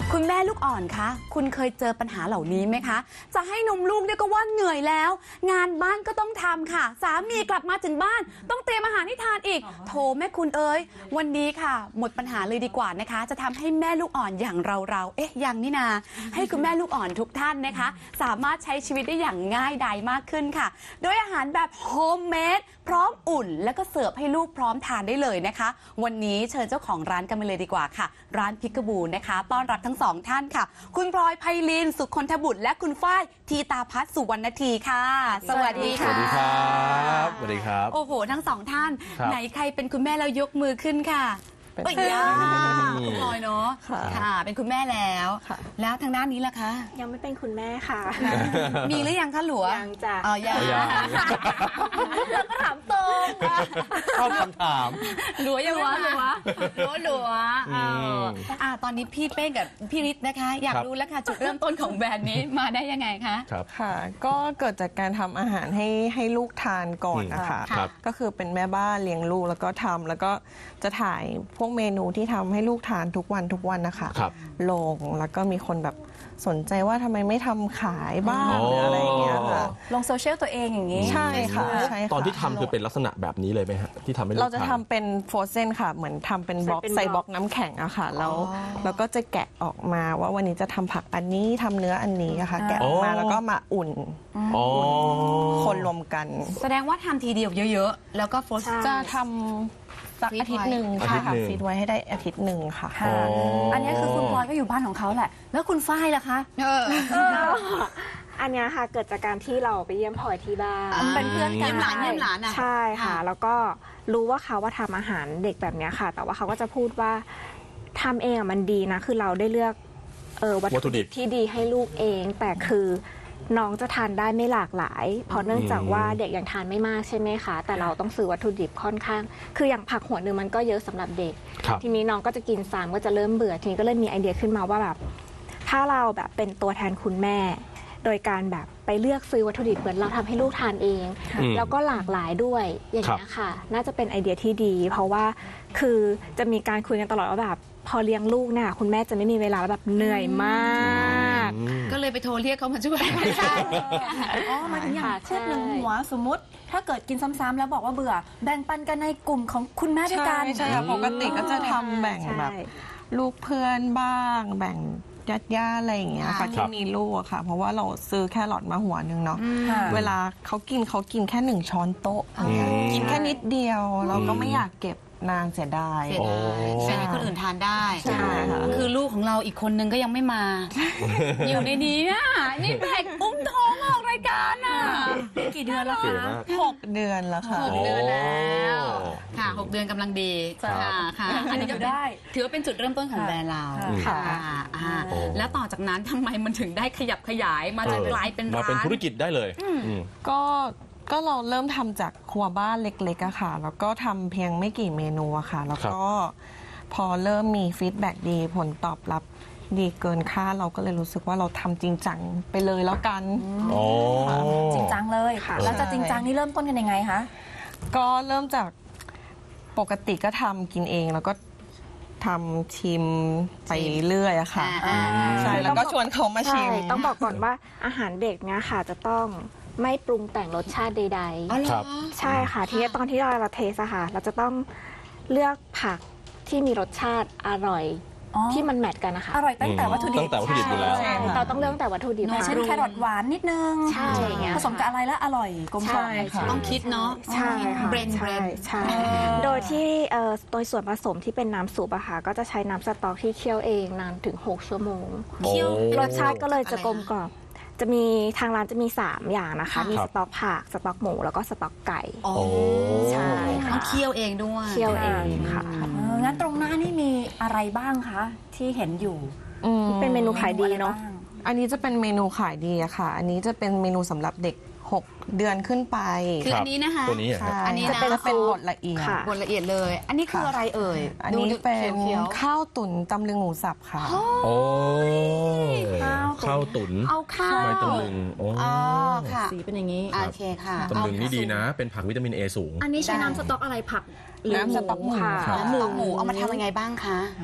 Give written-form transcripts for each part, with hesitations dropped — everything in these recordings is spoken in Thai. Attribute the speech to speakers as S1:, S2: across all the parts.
S1: คุณแม่ลูกอ่อนคะคุณเคยเจอปัญหาเหล่านี้ไหมคะจะให้นมลูกเนี่ยก็ว่าเหนื่อยแล้วงานบ้านก็ต้องทำค่ะสามีกลับมาถึงบ้านต้องเตรียมอาหารให้ทานอีกโถแม่คุณเอ๋ยวันนี้ค่ะหมดปัญหาเลยดีกว่านะคะจะทำให้แม่ลูกอ่อนอย่างเรายังนี่นาให้คุณแม่ลูกอ่อนทุกท่านนะคะสามารถใช้ชีวิตได้อย่างง่ายดายมากขึ้นค่ะโดยอาหารแบบโฮมเมดพร้อมอุ่นแล้วก็เสิร์ฟให้ลูกพร้อมทานได้เลยนะคะวันนี้เชิญเจ้าของร้านกันมาเลยดีกว่าค่ะร้านพิกบูนะคะต้อนรับทั้งสองท่านค่ะคุณพลอยไพลินสุขคนทบุตรและคุณฝ้ายทีตาพัฒน์สุวรรณทีค่ะสวัสดีค่ะ
S2: สวัสดีครับสวัสดีครับ
S1: โอ้โหทั้งสองท่านไหนใครเป็นคุณแม่แล้วยกมือขึ้นค่ะเอ้ยคุณพลอยเนาะค่ะเป็นคุณแม่แล้วแล้วทางด้านนี้ล่ะคะ
S3: ยังไม่เป็นคุณแม่ค่ะ
S1: มีหรือยังคะหลัว
S3: ยังจ้ะ
S1: อ๋อยังเราก็ถามตรง
S2: เข้าคำถาม
S1: หลัวยังวะหลัวตอนนี้พี่เป้งกับพี่ฤทธิ์นะคะอยากรู้แล้วค่ะจุดเริ่มต้นของแบรนด์นี้มาได้ยังไงคะ
S4: ครับค่ะก็เกิดจากการทำอาหารให้ลูกทานก่อนนะคะก็คือเป็นแม่บ้านเลี้ยงลูกแล้วก็ทำแล้วก็จะถ่ายพวกเมนูที่ทำให้ลูกทานทุกวันนะคะลงแล้วก็มีคนแบบสนใจว่าทำไมไม่ทำขายบ้างหรืออะไรอย่างเงี้ยค่ะ
S1: ลงโซเชียลตัวเองอย่างนี้
S4: ใช่ค่ะ
S2: ตอนที่ทำคือเป็นลักษณะแบบนี้เลยไหมฮะที่ทำให้
S4: เราจะทำเป็นโฟรเซนค่ะเหมือนทำเป็นบล็อกใส่บล็อกน้ำแข็งอะค่ะแล้วก็จะแกะออกมาว่าวันนี้จะทำผักอันนี้ทำเนื้ออันนี้ค่ะแกะออกมาแล้วก็มาอุ่นคนรวมกัน
S1: แสดงว่าทำทีเดียวเยอะๆแล้วก็โฟรเซน
S4: จะทำสักอาทิตย์หนึ่งค่ะฟีดไว้ให้ได้อาทิตย์หนึ่งค่ะ
S1: อันนี้คือคุณพลอยก็อยู่บ้านของเขาแหละแล้วคุณฝ้ายล่ะคะ
S3: อันนี้ค่ะเกิดจากการที่เราไปเยี่ยมพลอยที่บ้าน
S1: เป็นเพื่อนกันเยี่ยมหลานอ่ะ
S3: ใช่ค่ะแล้วก็รู้ว่าเขาว่าทำอาหารเด็กแบบนี้ค่ะแต่ว่าเขาก็จะพูดว่าทำเองมันดีนะคือเราได้เลือกวัตถุดิบที่ดีให้ลูกเองแต่คือน้องจะทานได้ไม่หลากหลายเพราะเนื่องจากว่าเด็กยังทานไม่มากใช่ไหมคะแต่เราต้องซื้อวัตถุดิบค่อนข้างคืออย่างผักหัวหนึ่งมันก็เยอะสำหรับเด็กทีนี้น้องก็จะกินซ้ำก็จะเริ่มเบื่อทีนี้ก็เลยมีไอเดียขึ้นมาว่าแบบถ้าเราแบบเป็นตัวแทนคุณแม่โดยการแบบไปเลือกซื้อวัตถุดิบเหมือนเราทำให้ลูกทานเองแล้วก็หลากหลายด้วยอย่างนี้ค่ะน่าจะเป็นไอเดียที่ดีเพราะว่าคือจะมีการคุยกันตลอดว่าแบบพอเลี้ยงลูกเนี่ยคุณแม่จะไม่มีเวลาแบบเหนื่อยมาก
S1: ก็เลยไปโทรเรียกเขามาช่วยใช่
S5: มาถึงอย่างเช่นหนึ่งหัวสมมติถ้าเกิดกินซ้ำๆแล้วบอกว่าเบื่อแบ่งปันกันในกลุ่มของคุณแม่ด้วยกัน
S4: ใช่ค่ะปกติก็จะทำแบ่งแบบลูกเพื่อนบ้างแบ่งญาติอะไรอย่างเงี้ยค่ะที่มีลูกอะค่ะเพราะว่าเราซื้อแครอทมาหัวนึงเนาะเวลาเขากินแค่1 ช้อนโต๊ะกินแค่นิดเดียวเราก็ไม่อยากเก็บนานเสียดาย
S1: ใช่คนอื่นทานได้ใช่ค่ะคือลูกของเราอีกคนนึงก็ยังไม่มาอยู่ในนี้อ่ะนี่แบกอุ้มท้องออกรายการอ่ะกี่เดือนแล้วคะ
S4: 6 เดือนแล้วค่ะ
S1: 6 เดือนแล้วค่ะ6 เดือนกำลังดีค่ะอันนี้ก็ได้ถือว่าเป็นจุดเริ่มต้นของแบรนด์เราค่ะแล้วต่อจากนั้นทำไมมันถึงได้ขยับขยายมาจนกลายเป็นร้าน
S2: มาเป็นธุรกิจได้เลย
S4: ก็เราเริ่มทำจากครัวบ้านเล็กๆอะค่ะแล้วก็ทำเพียงไม่กี่เมนูอะค่ะแล้วก็พอเริ่มมีฟีดแบ็กดีผลตอบรับดีเกินคาดเราก็เลยรู้สึกว่าเราทำจริงจังไปเลยแล้วกัน
S5: จริงจังเลยแล้วจะจริงจังนี่เริ่มต้นกันยังไงคะ
S4: ก็เริ่มจากปกติก็ทำกินเองแล้วก็ทำชิมไปเรื่อยอะค่ะใช่แล้วก็ชวนเขามาชิม
S3: ต้องบอกก่อนว่าอาหารเด็กเนี่ยค่ะจะต้องไม่ปรุงแต่งรสชาติใดๆใช่ค่ะทีนี้ตอนที่เราเทสอะค่ะเราจะต้องเลือกผักที่มีรสชาติอร่อยที่มันแมทกันนะคะ
S5: อร่อยตั้งแต่วัตถุดิบ
S2: อยู่แล้ว
S3: เราต้องเลือกแต่วัตถุดิบ
S5: เช่นแครอทหวานนิดนึง
S3: ใช่
S5: ผสมกับอะไรแล้วอร่อยกลมกล่อม
S1: ต้องคิดเนาะ
S3: ใช่ค่ะ
S1: เบรน
S3: ใช่โดยที่โดยส่วนผสมที่เป็นน้ำซุปอะค่ะก็จะใช้น้ำสต๊อกที่เคี่ยวเองนานถึง6 ชั่วโมงรสชาติก็เลยจะกลมกล่อมจะมีทางร้านจะมี3 อย่างนะคะมีสต๊อกผักสต๊อกหมูแล้วก็สต๊อกไก่
S1: ใช่ค่ะเคี่ยวเองด้วย
S3: เคี่ยวเองค่ะ
S5: งั้นตรงหน้านี่มีอะไรบ้างคะที่เห็นอยู่
S3: เป็นเมนูขายดีเนาะ
S4: อันนี้จะเป็นเมนูขายดีอะค่ะอันนี้จะเป็นเมนูสำหรับเด็ก6 เดือนขึ้นไป
S1: คืออันนี้นะคะ
S2: ตัวนี้
S4: อันนี้จะเป็นบดละเอียด
S1: บดละเอียดเลยอันนี้คืออะไรเอ่ย
S4: อันนี้เป็นข้าวตุ๋นตำลึงหมูสับค่ะ
S2: โอ้ข้าวตุ๋น
S1: เอาข้าว
S2: ตำลึง
S1: ค่ะ
S5: สีเป็นอย่างนี้
S1: โอเคค่ะ
S2: ตำลึงนี่ดีนะเป็นผักวิตามิน A สูง
S5: อันนี้ใช้น้ำสต๊อกอะไรผัก
S4: น้ำสต๊อกหมู
S1: หมูเอามาทำยังไงบ้างคะ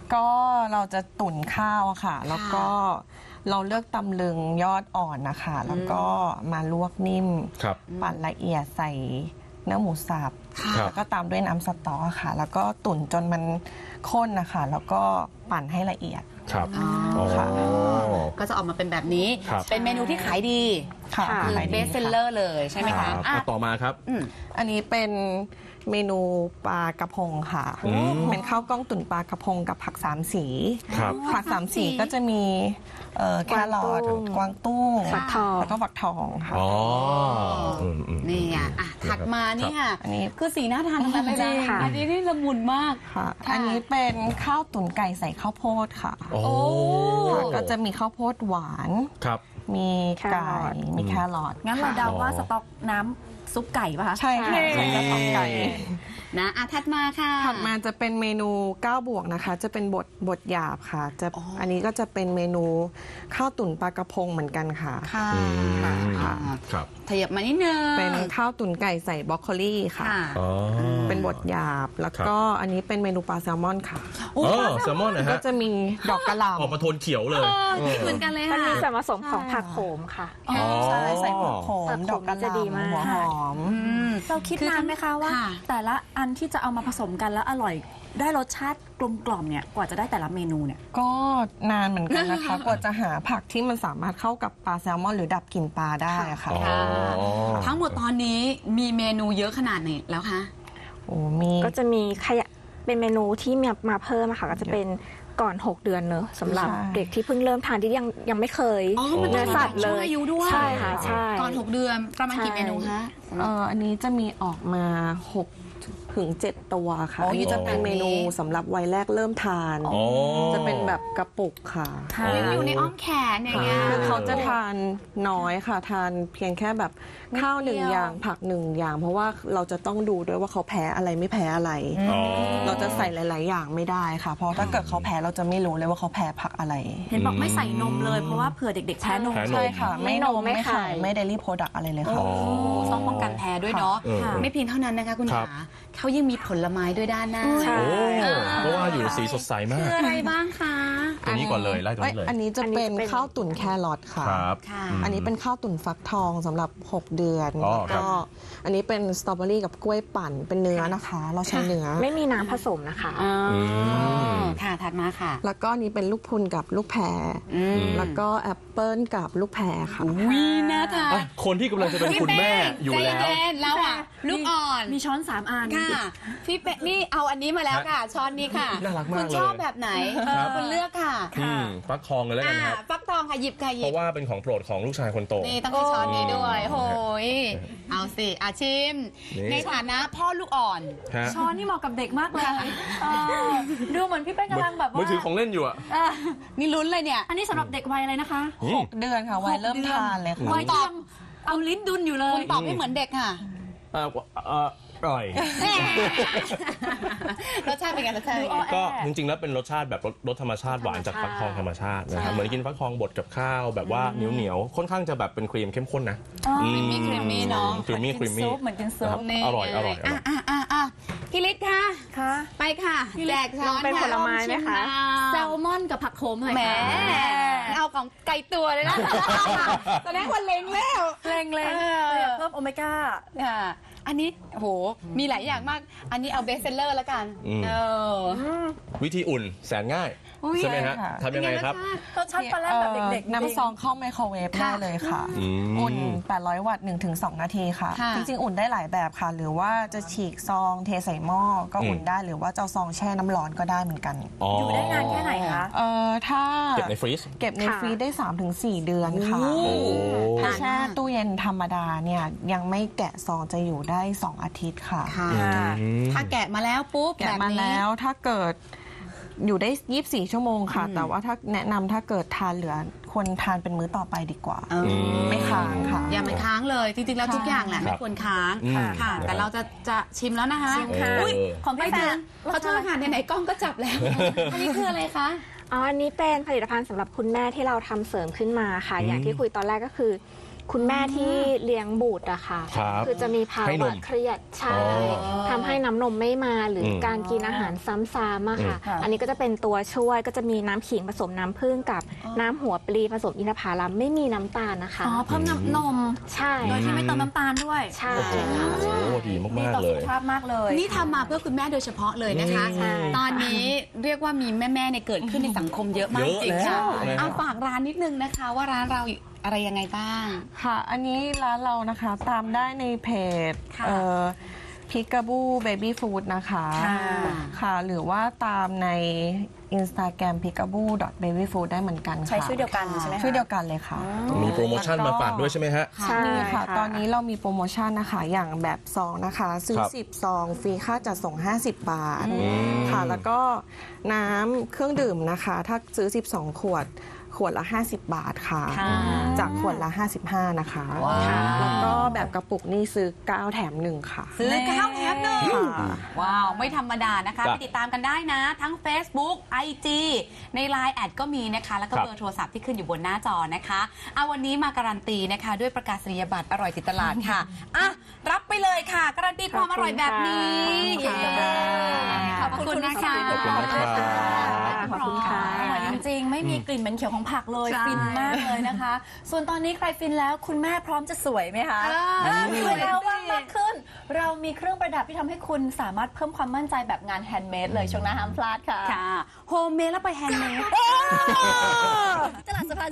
S4: ก็เราจะตุ๋นข้าวอะค่ะ แล้วก็เราเลือกตำลึงยอดอ่อนนะคะแล้วก็มาลวกนิ่ม
S2: ครับ
S4: ปั่นละเอียดใส่เนื้อหมูสับ
S2: ครับ
S4: แล้วก็ตามด้วยน้ำสต๊อกค่ะ แล้วก็ตุ๋นจนมันข้นนะคะแล้วก็ปั่นให้ละเอียด
S2: ครับ
S1: อ๋อ
S2: อ๋อ
S1: ก็จะออกมาเป็นแบบนี้
S2: ครับ
S1: เป็นเมนูที่ขายดี
S4: ค่ะ
S1: คือ
S4: ขาย
S1: เบ
S4: ดี
S1: สเซลเลอร์เลยใช่ไหม
S2: ค
S1: คะ
S2: รับ
S1: อ่ะ
S2: ต่อมาครับ
S4: อันนี้เป็นเมนูปลากระพงค่ะ
S2: อืม
S4: เป็นข้าวกล้องตุ๋นปลากระพงกับผักสามสี
S2: ครับ
S4: ผักสามสีก็จะมีแครอทกวางตุ้ง
S3: ฟักทอง
S4: แล้วก็ฝักทองค่ะ
S2: อ๋ออืม
S1: นี่อ่ะถัดมานี่ค่ะ
S4: อันนี้
S1: คือสีหน้าทานทั้งนั้นเลย
S3: จริ
S1: นะ
S3: งค่ะ
S1: อันนี้นี่ละมุนมาก
S4: ค่ะ
S1: ค่ะ
S4: อันนี้เป็นข้าวตุ๋นไก่ใส่ข้าวโพดค่ะ
S2: โอ้
S4: ค่ะก็จะมีข้าวโพดหวาน
S2: ครับ
S4: มีไก่ มีแครอท
S5: งั้นเราเดาว่า
S2: อ๋อ
S5: สต๊อกน้ำซุปไก่ป่ะคะ
S4: ใช่ค่ะ
S1: นี่
S4: ใส่กระเพราไก่
S1: นะอ่ะถัดมาค่ะ
S4: ถัดมาจะเป็นเมนู9 บวกนะคะ จะเป็นบดหยาบค่ะจะอันนี้ก็จะเป็นเมนูข้าวตุ๋นปลากระพงเหมือนกันค่ะ
S1: ค่ะ
S2: อืม
S1: ค่ะ
S2: ครับ
S1: ขยับมานิดนึง
S4: เป็นข้าวตุ๋นไก่ใส่บรอกโคลีค่ะ
S1: ค่ะ
S2: อ๋อ
S4: เป็นบดหยาบ แล้วก็อันนี้เป็นเมนูปลาแซลมอนค่ะ
S2: อ๋อแซลมอนนะ
S4: ก็
S2: ฮะ
S4: จะมีดอกกระหล่
S2: ออกมาโทนเขียวเลย
S1: เหมือนกันเลย
S3: มัน
S1: ค่ะ
S3: มีส่วนผสมของผักโขมค่ะ
S4: ำใช่ใส่หัวโข
S3: ผั
S4: ม
S3: กโขม
S4: ดอกกระห
S3: จะดีมาก
S4: ล่ำหัวหอม
S5: เราคิดนานไหมคะว่า
S1: ค่ะ
S5: แต่ละอันที่จะเอามาผสมกันแล้วอร่อย ได้รสชาติกลมกล่อมเนี่ยกว่าจะได้แต่ละเมนูเนี่ย
S4: ก็นานเหมือนกันนะคะ กว่าจะหาผักที่มันสามารถเข้ากับปลาแซลมอนหรือดับกลิ่นปลาได้อะค่ะ
S2: อ๋อ
S1: ค่ะทั้งหมดตอนนี้มีเมนูเยอะขนาดไหนแล้วคะ
S4: โอ้มี
S3: ก็จะมีเป็นเมนูที่มาเพิ่มอะค่ะ ก็จะเป็นก่อน 6 เดือนเนอะสำหรับเด็กที่เพิ่งเริ่มทานที่ยังไม่เคย
S1: อ๋อมัน
S3: เนื้อสัตว์เล
S1: ช่วง
S3: ย
S1: อายุด้วย
S3: ใช่ค่ะใช่
S1: ก่อน 6 เดือนประมาณกี่
S3: ใช่
S1: เมนูคะ
S4: อันนี้จะมีออกมา6 ถึง 7 ตัวค่ะ
S1: โอ้
S4: อันนี้จะเป็น
S1: แบบนี้
S4: เมนูสำหรับวัยแรกเริ่มทาน
S2: อ๋อ
S4: จะเป็นแบบกระปุกค่ะ
S1: ยังอยู่ในอ้อมแขนอย่างเงี้ย
S4: คือเขาจะทานน้อยค่ะ ทานเพียงแค่แบบข้าวหนึ่งอย่างผักหนึ่งอย่าง เพราะว่าเราจะต้องดูด้วยว่าเขาแพ้อะไรไม่แพ้อะไร
S2: อ๋อ
S4: เราจะใส่หลาย ๆ อย่างไม่ได้ค่ะ เพราะถ้าเกิดเขาแพ้เราจะไม่รู้เลยว่าเขาแพ้ผักอะไร
S5: เห็นบอกไม่ใส่นมเลยเพราะว่าเผื่อเด็กๆแพ้นม
S2: แพ้นม
S4: ใช่ค่ะ ไม่นม
S3: ไม่
S4: ไม่
S3: ไข่
S4: ไข่ไม่เดลี่โปรดักอะไรเลยค่ะ
S2: อ๋อ
S1: ต้องป้องกันแพ้ด้วยเนาะ
S2: เออ
S1: ไม่เพียงเท่านั้นนะคะคุณ
S2: ครับ
S1: ขาเขายังมีผลไม้ด้วยด้านหน้า
S3: ใช่
S2: โอ้เพราะว่าอยู่สีสดใสมา
S1: คื
S2: ก
S1: ออะไรบ้างคะ
S2: ตัวนี้ก่อนเลยไล่ตัว
S4: เอ้ย
S2: นี้เลย
S4: อันนี้จะเป็น
S3: อันนี้จะเป็น
S4: ข้าวตุ๋นแครอทค่ะ
S2: ครับ
S1: ค่ะ
S4: อันนี้เป็นข้าวตุ๋นฟักทองสำหรับ 6 เดือน
S2: อ๋อ
S4: แล้ว
S2: ครั
S4: ก็
S2: บ
S4: อันนี้เป็นสตรอเบอรี่กับกล้วยปั่นเป็นเนื้อนะคะ เราใช้เนื้อ
S3: ไม่มีน้ำผสมนะคะ
S1: อ๋ออ
S2: ม
S1: ค่ะถัดมาค่ะ
S4: แล้วก็อันนี้เป็นลูกพรุนกับลูกแพร แล้วก็แอปเปิลกับลูกแพรค่ะ
S1: วิน่าทาน
S2: อ่ะคนที่กำลังจะเป็นคุณแม่อยู่แล้ว
S1: ใจเย็นๆแล้วอ่ะลูกอ่อน
S5: มีช้อน3 อัน
S1: ค่ะพี่เป๊ะนี่เอาอันนี้มาแล้วค่ะ ช้อนนี้ค่ะ
S2: น่ารักมาก
S1: คุณชอบแบบไหน
S2: ครับ
S1: คุณเลือกค่ะ
S2: ฟักทองเลยแล้วกันครับ
S1: ฟักทองค่ะหยิบค่ะหยิ
S2: เพ
S1: บ
S2: ราะว่าเป็นของโปรดของลูกชายคนโต
S1: นี่ต้องมีช้อนนี้ด้วยโหยเอาสิอาชิม
S2: นี่
S1: ในฐานะพ่อลูกอ่อน
S2: ฮะ
S5: ช้อนนี่เหมาะกับเด็กมากเลยดูเหมือนพี่เป้กำลังแบบ
S2: มือ
S5: ว่า
S2: ถือของเล่นอยู่อ่ะ
S1: นี่ลุ้นเลยเนี่ย
S5: อันนี้สำหรับเด็กวัยอะไรนะคะ
S4: 6 เดือนค่ะวัยเริ่มทานเลยค่ะ
S5: วัยที่ยังเอาลิ้นดุนอยู่เล
S1: คุ
S5: ย
S1: ณตอบให้เหมือนเด็กค่ะ
S2: อร่อย
S1: รสชาติเป็นไงรสชาติเป็นไง
S2: ก็จริงๆ แล้วเป็นรสชาติแบบรสธรรมชาติหวานจากฟักทองธรรมชาตินะครับ เหมือนกินฟักทองบดกับข้าวแบบว่าเหนียวๆ ค่อนข้างจะแบบเป็นครีมเข้มข้นนะ
S1: ครีมมี่เนาะ
S2: ครีมมี่ครีมมี่
S5: เหมือนกินซุป
S1: นี่
S2: อร่อยอร่อย
S1: อ่ะพี่ฤทธิ์ค่ะ
S5: ค่ะ
S1: ไปค่ะแจกช้อน
S3: เป็นผลไม้ไหมคะ
S5: แซลมอนกับผักโขมหน่อย
S1: แหม
S5: ค่ะ
S1: เอาของไก่ตัวเลยนะแสดงว่าเล็งแล้ว
S5: เร่งเลยเพิ่มโอเมก้า
S1: ค่ะอันนี้โหมีหลายอย่างมาก อันนี้เอาเบสเซลเลอร์แล้วกัน
S2: วิธีอุ่นแสนง่าย ใช่ไหมฮะ
S4: ใช่ค่ะ
S2: ทำยังไงครับ
S5: รสชาติปลาแรกแบบเด็กๆ
S4: น้ำซองเข้าไมโครเวฟได้เลยค่ะ อุ่น 800 วัตต์ 1-2 นาทีค่ะ
S1: ค่ะ
S4: จริงๆ อุ่นได้หลายแบบค่ะ หรือว่าจะฉีกซองเทใส่หม้อก็อุ่นได้ หรือว่าจะเอาซองแช่น้ำร้อนก็ได้เหมือนกัน
S5: อยู่ได้นานแค่ไหนคะ
S4: ถ้า
S2: เก็บในฟรีซ
S4: เก็บในฟรีซได้ 3-4 เดือนค่ะ
S2: โอ้
S4: ถ้าแช่ตู้เย็นธรรมดาเนี่ยยังไม่แกะซองจะอยู่ได้ 2 อาทิตย์ค่ะ
S1: ค่ะถ้าแกะมาแล้วปุ๊บ
S4: แกะมาแล้วถ้าเกิดอยู่ได้ 24 ชั่วโมงค่ะ แต่ว่าถ้าแนะนำถ้าเกิดทานเหลือควรทานเป็นมื้อต่อไปดีกว่า ไม่ค้างค่ะ
S1: อย่าไปค้างเลยจริงๆแล้วทุกอย่างแหละไม่ควรค้างค่ะ แต่เราจะชิมแล้วนะคะ
S5: ชิมค่ะ
S1: อุ๊ย
S5: ของพี่
S1: ไม่ถึง
S5: แฟน
S1: ขอโทษค่ะไหนๆกล้องก็จับแล้ว อันนี้คืออะไรคะ
S3: อ๋อ อันนี้เป็นผลิตภัณฑ์สำหรับคุณแม่ที่เราทำเสริมขึ้นมาค่ะ อย่างที่คุยตอนแรกก็คือคุณแม่ที่เลี้ยงบุตรอะค่ะ
S2: ครับ
S3: คือจะมีภา
S2: ให้น
S3: วะ
S2: ม
S3: เครียดใช่ทำให้น้ำนมไม่มาหรือการกินอาหารซ้ำๆอะค่ะ อันนี้ก็จะเป็นตัวช่วยก็จะมีน้ำขิงผสมน้ำผึ้งกับน้ำหัวปลีผสมอินทผลัมไม่มีน้ำตาลนะคะ
S5: อ๋อเพิ่มน้ำนม
S3: ใช่
S5: โดยที่ไม่เติมน้ำตาลด้วย
S3: ใช่
S2: โอ้โห
S3: ค่ะ
S2: ดี
S5: ดี
S2: มาก
S5: ต่อ
S2: ๆเล
S5: สุข
S2: ย
S5: ภาพมากเลย
S1: นี่ทำมาเพื่อคุณแม่โดยเฉพาะเลยนะคะ
S3: ใช่
S1: ตอนนี้เรียกว่ามีแม่ๆเนี่ยเกิดขึ้นในสังคมเยอะมาก
S2: เยอะ
S1: จริง
S2: แล้ว
S1: ค่ะ
S2: นะครับ
S1: เอาฝากร้านนิดนึงนะคะ ว่าร้านเราอะไรยังไงบ้าง
S4: ค่ะ อันนี้ร้านเรานะคะตามได้ในเพจ
S1: ค่ะ
S4: พิกาบูเบบี้ฟู้ดนะคะ
S1: ค่ะ
S4: ค่ะ หรือว่าตามใน Instagram p i k a b o b a b y f o o d ได้เหมือนกันค่ะ
S5: ใช้ชื่อเดียวกันใช่ไหมคะ
S4: ชื่อเดียวกันเลยค่ะ
S2: มีโปรโมชั่นมาฝากด้วยใช่ไหมฮะ
S3: ใช่
S4: นี่ค่ะ
S3: ค่ะ
S4: ตอนนี้เรามีโปรโมชั่นนะคะ อย่างแบบซองนะคะ ซื้อ
S2: ครับ
S4: 10 ซอง ฟรีค่าจัดส่ง 50 บาท ค่ะ แล้วก็น้ำเครื่องดื่มนะคะ ถ้าซื้อ 12 ขวด ขวดละ 50 บาทค่ะ
S1: ค่ะ
S4: จากขวดละ 55 นะคะ
S1: ว้าว
S4: ค่ะแล้วก็แบบกระปุกนี่ซื้อ 9 แถม 1 ค่ะ
S1: ซื้อ9แถมหนึ่ง
S4: ค่ะ
S1: ว้าว ไม่ธรรมดานะคะ
S2: จ้ะ
S1: ไปติดตามกันได้นะ ทั้ง Facebook IG ใน Line แอดก็มีนะคะ แล้วก็
S2: ครับ
S1: เบอร์โทรศัพท์ที่ขึ้นอยู่บนหน้าจอนะคะเอาวันนี้มาการันตีนะคะ ด้วยประกาศนียบัตรอร่อยติดตลาดค่ะอ่ะ รับไปเลยค่ะ การันตีความอร่อยแบบนี้
S3: ขอบคุณค่ะ
S1: ขอบคุณนะคะ
S2: ขอบคุณนะครับ
S3: ขอบคุณค่ะ
S5: อร่อยจริงๆ ไม่มีกลิ่นเหม็นเขียวของผักเลย
S1: ใช่
S5: ฟินมากเลยนะคะ ส่วนตอนนี้ใครฟินแล้วคุณแม่พร้อมจะสวยไหมคะ สวยแล้วว่างมากขึ้น เรามีเครื่องประดับที่ทำให้คุณสามารถเพิ่มความมั่นใจแบบงานแฮนด์เมดเลยช่วงหน้าห้ามพลาดค่ะ
S1: ค่ะโฮมเมดแล้วไปแฮนด์เมด
S5: ตลาดสะพาน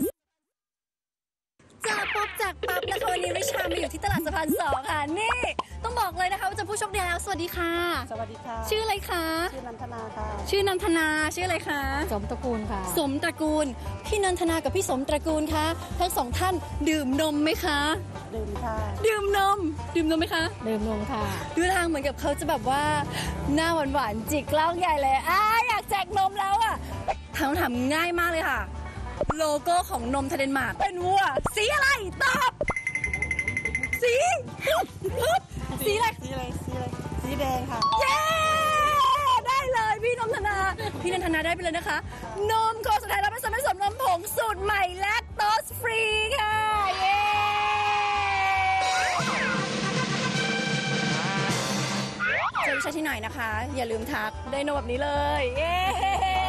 S5: จากปุ๊บจากปั๊บนะคะวันนี้ริชามาอยู่ที่ตลาดสะพาน2ค่ะนี่ต้องบอกเลยนะคะว่าจะผู้โชคดีแล้วสวัสดีค่ะ
S6: สวัสดีค่ะ
S5: ชื่ออะไรคะ
S6: ชื่อนันทนาค่ะ
S5: ชื่อนันทนาชื่ออะไรคะ
S6: สมตระกูลค่ะ
S5: สมตระกูลพี่นันทนากับพี่สมตระกูลคะทั้งสองท่านดื่มนมไหมคะ
S6: ดื่มค่ะ
S5: ดื่มนมไหมคะ
S6: ดื่มนมค่ะ
S5: ดูทางเหมือนกับเขาจะแบบว่าหน้าหวานๆจิกกล้องใหญ่เลยอยากแจกนมแล้วอ่ะคำถามง่ายมากเลยค่ะ โลโก้ของนมทเดนมาร์กเป็นวัวสีอะไรตอบสีสีอะไร
S6: สีแดงค่ะ
S5: เย้ ได้เลยพี่นมธนา พี่นันทนาได้ไปเลยนะคะ นมโคสุดท้ายแล้วผสมผสมนมผงสูตรใหม่แลคโตสฟรีค่ะ เย้เจอวิชาที่ไหนนะคะ อย่าลืมทักได้นมแบบนี้เลย เย้